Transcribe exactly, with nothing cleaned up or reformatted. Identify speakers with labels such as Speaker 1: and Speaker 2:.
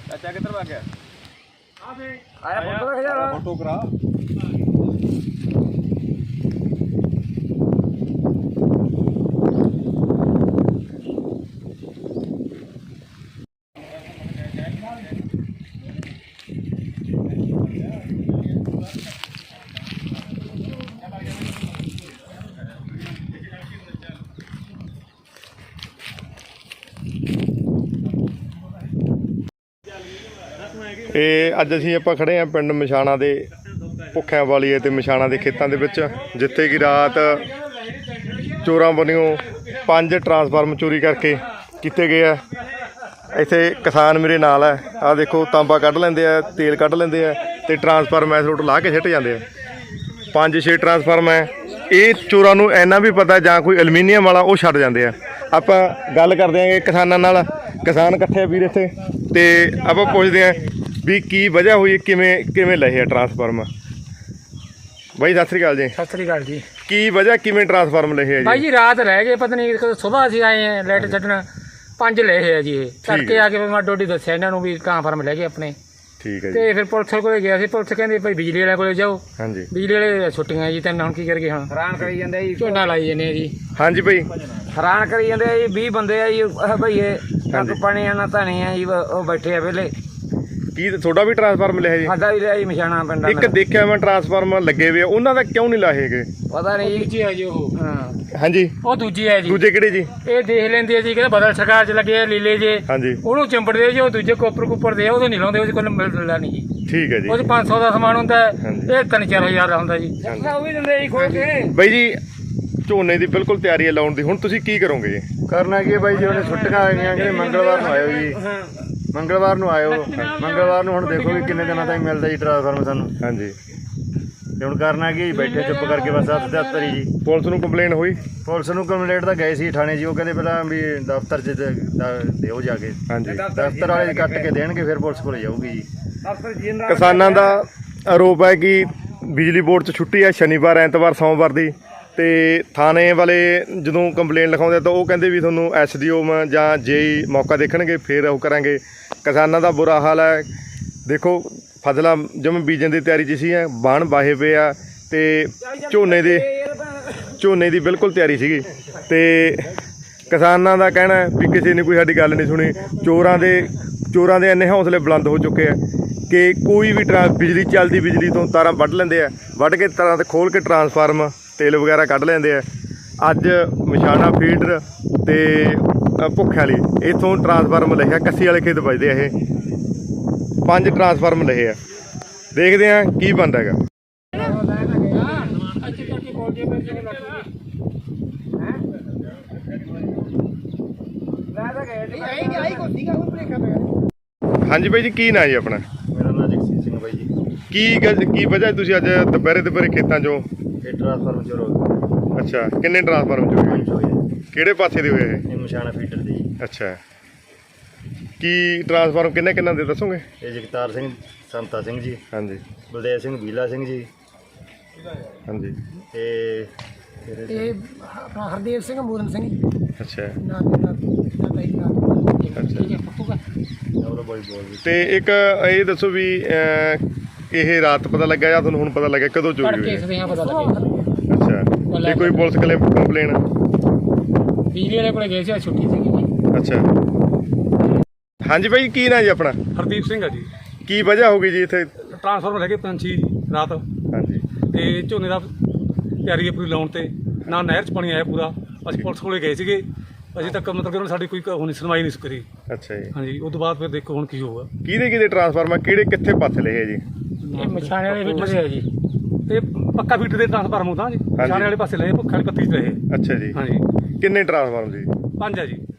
Speaker 1: चाचा किधर भाग गया?
Speaker 2: आया फोटो रख जा
Speaker 1: फोटो करा।
Speaker 3: ਇਹ ਅੱਜ ਅਸੀਂ ਆਪਾਂ ਖੜੇ ਹਾਂ ਪਿੰਡ ਮਛਾਣਾ ਦੇ ਭੁੱਖਿਆਂ ਵਾਲੀਏ ਤੇ ਮਛਾਣਾ ਦੇ ਖੇਤਾਂ ਦੇ ਵਿੱਚ, ਜਿੱਥੇ ਕਿ ਰਾਤ ਚੋਰਾਂ ਵੱਲੋਂ ਪੰਜ ਟਰਾਂਸਫਾਰਮ ਚੋਰੀ ਕਰਕੇ ਕੀਤੇ ਗਏ ਆ। ਇੱਥੇ ਕਿਸਾਨ ਮੇਰੇ ਨਾਲ ਹੈ, ਆਹ ਦੇਖੋ ਤਾਂਬਾ ਕੱਢ ਲੈਂਦੇ ਆ, ਤੇਲ ਕੱਢ ਲੈਂਦੇ ਆ ਤੇ ਟਰਾਂਸਫਾਰਮ ਐਸ ਰੋਟ ਲਾ ਕੇ ਸਿੱਟ ਜਾਂਦੇ ਆ। ਪੰਜ ਛੇ ਟਰਾਂਸਫਾਰਮ ਹੈ। ਇਹ ਚੋਰਾਂ ਨੂੰ ਇੰਨਾ ਵੀ ਪਤਾ ਜਾਂ ਕੋਈ ਐਲੂਮੀਨੀਅਮ ਵਾਲਾ ਉਹ ਛੱਡ ਜਾਂਦੇ ਆ। ਆਪਾਂ ਗੱਲ ਕਰਦੇ ਆਂਗੇ ਕਿਸਾਨਾਂ ਨਾਲ, ਕਿਸਾਨ ਇਕੱਠੇ ਆ ਵੀਰ ਇੱਥੇ, ਤੇ ਆਪਾਂ ਪੁੱਛਦੇ ਹਾਂ ਵੀ ਕੀ ਵਜ੍ਹਾ ਹੋਈ, ਕਿਵੇਂ ਕਿਵੇਂ ਲਏ ਆ ਟਰਾਂਸਫਾਰਮ। ਬਾਈ ਸਤਿ ਸ੍ਰੀ ਅਕਾਲ ਜੀ।
Speaker 2: ਸਤਿ ਸ੍ਰੀ ਅਕਾਲ ਜੀ।
Speaker 3: ਕੀ ਵਜ੍ਹਾ ਕਿਵੇਂ ਟਰਾਂਸਫਾਰਮ ਲਏ ਆ
Speaker 2: ਭਾਈ
Speaker 3: ਜੀ?
Speaker 2: ਜੀ ਰਾਤ ਰਹਿ ਗਏ, ਪਤਾ ਨਹੀਂ ਸੁਬਾਹ ਅਸੀਂ ਆਏ ਆ ਲਾਈਟ ਛੱਡਣ, ਪੰਜ ਲਏ ਆ ਜੀ। ਇਹ ਤੜਕੇ ਆ ਕੇ ਮੈਂ ਡੋਡੀ ਦੱਸਿਆ ਇਹਨਾਂ ਨੂੰ ਵੀ ਟਰਾਂਸਫਾਰਮ ਲੈ ਗਏ ਆਪਣੇ।
Speaker 3: ਠੀਕ ਹੈ ਜੀ।
Speaker 2: ਤੇ ਫਿਰ ਪੁਲਿਸ ਕੋਲੇ ਗਿਆ ਸੀ, ਪੁਲਿਸ ਕਹਿੰਦੇ ਭਾਈ ਬਿਜਲੀ ਵਾਲੇ ਕੋਲੇ ਜਾਓ।
Speaker 3: ਹਾਂਜੀ।
Speaker 2: ਬਿਜਲੀ ਵਾਲੇ ਛੁੱਟੀਆਂ ਜੀ, ਤੈਨੂੰ ਹੁਣ ਕੀ ਕਰਗੇ? ਹੁਣ ਹੈਰਾਨ ਕਰੀ ਜਾਂਦੇ ਜੀ, ਝੋਨਾ ਲਾਈ ਜਾਂਦੇ ਆ ਜੀ।
Speaker 3: ਹਾਂਜੀ ਭਾਈ
Speaker 2: ਹੈਰਾਨ ਕਰੀ ਜਾਂਦੇ ਆ ਜੀ। ਵੀਹ ਬੰਦੇ ਆ ਜੀ ਭਈਏ, ਕੱਕ ਪਾਣੀ ਆ ਨਾ ਧਾਣੀ ਆ ਜੀ, ਉਹ ਬੈਠੇ ਆ ਵੇਲੇ।
Speaker 3: ਕੀ ਤੁਹਾਡਾ ਵੀ ਟਰਾਂਸਫਾਰਮ ਲਿਆ ਜੀ?
Speaker 2: ਸਾਡਾ ਵੀ ਲਿਆ ਜੀ ਮਛਾਣਾ ਪਿੰਡ।
Speaker 3: ਇੱਕ ਦੇਖਿਆ ਮੈਂ ਟਰਾਂਸਫਾਰਮ ਲੱਗੇ ਵੇ, ਉਹਨਾਂ ਦਾ ਕਿਉਂ ਨਹੀਂ ਲਾਏ ਹੈਗੇ?
Speaker 2: ਪਤਾ ਨਹੀਂ ਜੀ। ਦੂਜੀ ਹੈ ਜੀ ਉਹ। ਹਾਂ
Speaker 3: ਹਾਂਜੀ।
Speaker 2: ਉਹ ਦੂਜੀ ਹੈ ਜੀ।
Speaker 3: ਦੂਜੇ ਕਿਹੜੇ ਜੀ?
Speaker 2: ਇਹ ਦੇਖ ਲੈਂਦੇ ਆ ਜੀ, ਕਹਿੰਦੇ ਬਦਲ ਸਰਕਾਰ ਚ ਲੱਗੇ ਆ ਲੀਲੇ ਜੇ।
Speaker 3: ਹਾਂਜੀ।
Speaker 2: ਉਹਨੂੰ ਚਿੰਬੜਦੇ ਜੀ, ਉਹ ਦੂਜੇ ਕੋਪਰ ਕੁੱਪਰ ਦੇ ਉਹਦੇ ਨਹੀਂ ਲਾਉਂਦੇ, ਉਹਦੇ ਕੋਲ ਮਿਲਦਾ ਨਹੀਂ ਜੀ।
Speaker 3: ਠੀਕ ਹੈ ਜੀ।
Speaker 2: ਉਹ ਚ ਪੰਜ ਸੌ ਦਾ ਸਮਾਨ ਹੁੰਦਾ ਹੈ,
Speaker 3: ਹਾਂਜੀ।
Speaker 2: ਇਹ ਤਿੰਨ ਚਾਰ ਹਜ਼ਾਰ ਦਾ ਹੁੰਦਾ ਜੀ। ਉਹ ਵੀ ਦਿੰਦੇ ਜੀ ਖੋਲ ਕੇ।
Speaker 3: ਬਾਈ ਜੀ ਝੋਨੇ ਦੀ ਬਿਲਕੁਲ ਤਿਆਰੀ ਹੈ ਲਾਉਣ ਦੀ, ਹੁਣ ਤੁਸੀਂ ਕੀ ਕਰੋਗੇ ਜੀ?
Speaker 4: ਕਰਨਾ ਕੀ ਹੈ ਬਾਈ ਜੀ, ਉਹਨੇ ਛੁੱਟੀਆਂ ਆ ਗਈਆਂ ਕਿ ਮੰਗਲਵਾਰ ਨੂੰ ਆਇਓ ਜੀ, ਮੰਗਲਵਾਰ ਨੂੰ ਆਇਓ। ਮੰਗਲਵਾਰ ਨੂੰ ਹੁਣ ਦੇਖੋ ਵੀ ਕਿੰਨੇ ਦਿਨਾਂ ਤੱਕ ਮਿਲਦਾ ਜੀ ਟਰਾਂਸਫਾਰਮ ਸਾਨੂੰ। ਹਾਂਜੀ। ਤੇ ਹੁਣ ਕਰਨਾ ਕੀ, ਬੈਠੇ ਚੁੱਪ ਕਰਕੇ ਬਸ ਹੱਥ ਤੇ ਹੱਥ ਹੀ ਜੀ।
Speaker 3: ਪੁਲਿਸ ਨੂੰ ਕੰਪਲੇਨ ਹੋਈ?
Speaker 4: ਪੁਲਿਸ ਨੂੰ ਕੰਪਲੇਂਟ ਤਾਂ ਗਏ ਸੀ ਥਾਣੇ ਜੀ, ਉਹ ਕਹਿੰਦੇ ਪਹਿਲਾਂ ਵੀ ਦਫ਼ਤਰ 'ਚ ਦਿਓ ਜਾ ਕੇ।
Speaker 3: ਹਾਂਜੀ।
Speaker 4: ਦਫ਼ਤਰ ਵਾਲੇ ਕੱਟ ਕੇ ਦੇਣਗੇ, ਫਿਰ ਪੁਲਿਸ ਕੋਲ ਜਾਊਗੀ ਜੀ।
Speaker 3: ਕਿਸਾਨਾਂ ਦਾ ਆਰੋਪ ਹੈ ਕਿ ਬਿਜਲੀ ਬੋਰਡ 'ਚ ਛੁੱਟੀ ਹੈ ਸ਼ਨੀਵਾਰ, ਐਤਵਾਰ, ਸੋਮਵਾਰ ਦੀ, ਤੇ ਥਾਣੇ ਵਾਲੇ ਜਦੋਂ ਕੰਪਲੇਨ ਲਿਖਾਉਂਦੇ ਤਾਂ ਉਹ ਕਹਿੰਦੇ ਵੀ ਤੁਹਾਨੂੰ ਐਸ ਡੀ ਓ ਜਾਂ ਜੇਈ ਮੌਕਾ ਦੇਖਣਗੇ, ਫਿਰ ਉਹ ਕਰਾਂਗੇ। ਕਿਸਾਨਾਂ ਦਾ ਬੁਰਾ ਹਾਲ ਹੈ। ਦੇਖੋ ਫਸਲਾਂ ਜਿਵੇਂ ਬੀਜਣ ਦੀ ਤਿਆਰੀ 'ਚ ਸੀ, ਬਾਣ ਵਾਹੇ ਪਏ ਆ, ਤੇ ਝੋਨੇ ਦੇ ਝੋਨੇ ਦੀ ਬਿਲਕੁਲ ਤਿਆਰੀ ਸੀਗੀ, ਤੇ ਕਿਸਾਨਾਂ ਦਾ ਕਹਿਣਾ ਵੀ ਕਿਸੇ ਨੇ ਕੋਈ ਸਾਡੀ ਗੱਲ ਨਹੀਂ ਸੁਣੀ। ਚੋਰਾਂ ਦੇ ਚੋਰਾਂ ਦੇ ਇੰਨੇ ਹੌਸਲੇ ਬੁਲੰਦ ਹੋ ਚੁੱਕੇ ਆ ਕਿ ਕੋਈ ਵੀ ਟਰਾਂ ਬਿਜਲੀ ਚੱਲਦੀ ਬਿਜਲੀ ਤੋਂ ਤਾਰਾਂ ਵੱਢ ਲੈਂਦੇ ਆ, ਵੱਢ ਕੇ ਤਾਰਾਂ ਤੇ ਖੋਲ੍ਹ ਕੇ ਟਰਾਂਸਫਾਰਮ ਤੇਲ ਵਗੈਰਾ ਕੱਢ ਲੈਂਦੇ ਆ। ਅੱਜ ਮਛਾਣਾ ਫੀਡਰ ਤੇ ਭੁੱਖਿਆਂ ਵਾਲੀ ਇੱਥੋਂ ਟਰਾਂਸਫਾਰਮ ਲਿਆ, ਕੱਸੀ ਵਾਲੇ ਖੇਤ ਵੱਜਦੇ ਆ। ਇਹ ਪੰਜ ਟਰਾਂਸਫਾਰਮ ਲਏ ਆ, ਦੇਖਦੇ ਆ ਕੀ ਬਣਦਾ ਹੈਗਾ। ਹਾਂਜੀ ਬਾਈ ਜੀ, ਕੀ ਨਾਂ ਜੀ ਆਪਣਾ?
Speaker 4: ਮੇਰਾ ਨਾਂ ਜਗਸੀਰ ਸਿੰਘ ਬਾਈ ਜੀ।
Speaker 3: ਕੀ ਗੱਲ ਕੀ ਵਜ੍ਹਾ ਤੁਸੀਂ ਅੱਜ ਦੁਪਹਿਰੇ ਦੁਪਹਿਰੇ ਖੇਤਾਂ 'ਚੋਂ?
Speaker 4: ਇਹ ਟਰਾਂਸਫਾਰਮ ਚੋਰ ਹੋ ਗਏ।
Speaker 3: ਅੱਛਾ, ਕਿੰਨੇ ਟਰਾਂਸਫਾਰਮ ਚੋਰੀ ਹੋਏ?
Speaker 4: ਪੰਜ ਹੋਏ।
Speaker 3: ਕਿਹੜੇ ਪਾਸੇ ਦੇ ਹੋਏ ਇਹ?
Speaker 4: ਇਹ ਮਛਾਣਾ ਫੀਡਰ ਦੇ ਜੀ।
Speaker 3: ਅੱਛਾ, ਕੀ ਟਰਾਂਸਫਾਰਮ ਕਿੰਨੇ ਕਿੰਨਾ ਦੇ ਦੱਸੋਗੇ?
Speaker 4: ਇਹ ਜਗਤਾਰ ਸਿੰਘ ਸੰਤਾ ਸਿੰਘ ਜੀ,
Speaker 3: ਹਾਂਜੀ।
Speaker 4: ਬਲਦੇਵ ਸਿੰਘ ਬੀਲਾ ਸਿੰਘ ਜੀ,
Speaker 3: ਹਾਂਜੀ।
Speaker 4: ਤੇ
Speaker 2: ਇਹ ਆਪਣਾ ਹਰਦੇਵ ਸਿੰਘ, ਮੂਰਨ ਸਿੰਘ।
Speaker 3: ਅੱਛਾ
Speaker 2: ਨਾ ਨਾ
Speaker 4: ਉਹ ਬਾਈ ਬੋਲ ਜੀ।
Speaker 3: ਤੇ ਇੱਕ ਇਹ ਦੱਸੋ ਵੀ ਅਹ, ਇਹ ਰਾਤ ਪਤਾ ਲੱਗਾ ਜਾਂ ਤੁਹਾਨੂੰ ਹੁਣ ਪਤਾ ਲੱਗਿਆ ਕਦੋਂ ਚੋਰੀ ਹੋਈ?
Speaker 2: ਕੇਸ ਦੇ ਪਤਾ ਲੱਗਿਆ।
Speaker 3: ਅੱਛਾ, ਤੇ ਕੋਈ ਪੁਲਿਸ ਕਲੇ ਕੰਪਲੇਨ?
Speaker 2: ਬਿਜਲੀ ਵਾਲੇ ਕੋਲੇ ਗਏ ਸੀ, ਛੁੱਟੀ ਸੀਗੀ ਜੀ।
Speaker 3: ਅੱਛਾ। ਹਾਂਜੀ ਬਾਈ, ਕੀ ਨਾਂ ਜੀ ਆਪਣਾ?
Speaker 5: ਹਰਦੀਪ ਸਿੰਘ ਆ ਜੀ।
Speaker 3: ਕੀ ਵਜ੍ਹਾ ਹੋ ਗਈ ਜੀ ਇੱਥੇ?
Speaker 5: ਟਰਾਂਸਫਾਰਮਰ ਹੈਗੇ ਪੰਛੀ ਰਾਤ,
Speaker 3: ਹਾਂਜੀ।
Speaker 5: ਤੇ ਝੋਨੇ ਦਾ ਤਿਆਰੀ ਹੈ ਪੂਰੀ ਲਾਉਣ ਤੇ, ਨਾ ਨਹਿਰ 'ਚ ਪਾਣੀ ਆਇਆ ਪੂਰਾ। ਅਸੀਂ ਪੁਲਿਸ ਕੋਲੇ ਗਏ ਸੀਗੇ, ਅਜੇ ਤੱਕ ਮਤਲਬ ਕਿ ਉਹਨਾਂ ਸਾਡੀ ਕੋਈ ਹੁਣ ਸੁਣਵਾਈ ਨਹੀਂ ਕਰੀ।
Speaker 3: ਅੱਛਾ ਜੀ।
Speaker 5: ਹਾਂਜੀ, ਉਸ ਤੋਂ ਬਾਅਦ ਫਿਰ ਦੇਖੋ ਹੁਣ ਕੀ ਹੋਊਗਾ।
Speaker 3: ਕਿਹਦੇ ਕਿਹਦੇ ਟਰਾਂਸਫਾਰਮਰ ਕਿਹੜੇ ਕਿੱਥੇ ਪਾਸੇ ਲਏ ਜੀ?
Speaker 2: ਇਹ ਮਛਾਣੇ ਵਾਲੇ ਫੀਡਰ ਹੈ ਜੀ।
Speaker 5: ਤੇ ਪੱਕਾ ਫੀਟ ਦੇ ਟਰਾਂਸਫਾਰਮਰ ਹੁੰਦਾ ਜੀ, ਮਛਾਣੇ ਵਾਲੇ ਪਾਸੇ ਲਏ, ਭੁੱਖਾਂ ਵਾਲੀ ਪੱਤੀ 'ਚ ਲਏ।
Speaker 3: ਅੱਛਾ ਜੀ।
Speaker 5: ਹਾਂਜੀ।
Speaker 3: ਕਿੰਨੇ ਟਰਾਂਸਫਾਰਮ ਜੀ?
Speaker 5: ਪੰਜ ਆ ਜੀ।